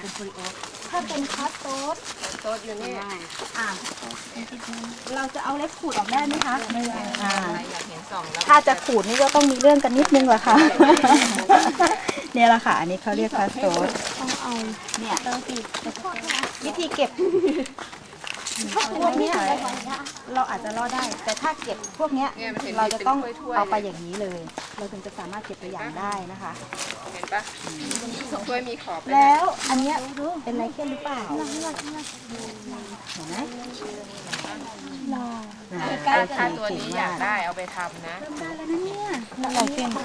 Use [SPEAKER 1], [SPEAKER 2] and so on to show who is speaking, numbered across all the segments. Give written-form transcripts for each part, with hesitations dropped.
[SPEAKER 1] เป็นโปลิโอถ้าเป็นคัสโตส
[SPEAKER 2] โต๊ดอยู่นี่
[SPEAKER 1] เราจะเอาเล็บขูดออกได้ไหมคะไม่ได้
[SPEAKER 2] อยากเห็นสองแล้ว
[SPEAKER 1] ถ้าจะขูดนี่ก็ต้องมีเรื่องกันนิดนึงแหละค่ะ เนี่ยแหละค่ะอันนี้เขาเรียกคัสโตสเนี่ยวิธีเก็บพวกเนี้ยเราอาจจะรอดได้ แต่ถ้าเก็บพวกเนี้ยเราจะต้องเอาไปอย่างนี้เลย เราถึงจะสามารถเก็บตัวอย่างได้นะคะ
[SPEAKER 2] เห็นปะถ้วยมีขอบ
[SPEAKER 1] แล้วอันเนี้ยเป็นไรเคนหรือเปล่าเห็นไหม
[SPEAKER 2] ถ้าตัวนี้อยากได้เอาไปทำนะ
[SPEAKER 1] ไรเคน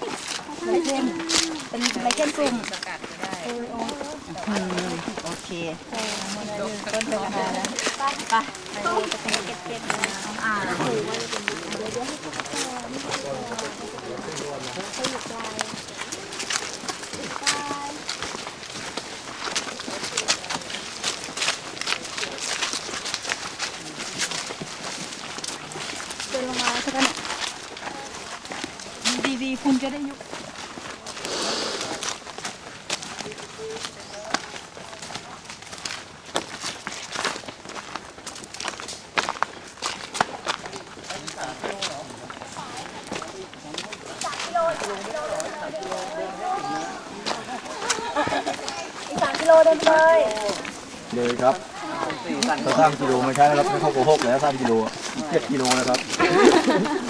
[SPEAKER 1] เป็นไรเคนกลุ่ม
[SPEAKER 2] สกัดก็ได้
[SPEAKER 1] โอเค
[SPEAKER 2] ต้นเป็นอะไรแล้ว
[SPEAKER 1] เดินลงมาสักกันดีๆคุณจะได้ยุบ
[SPEAKER 3] เลยครับถ้า3 กิโลไม่ใช่นะครับไม่เข้าโกหกแล้ว3 กิโล7 กิโลนะครับ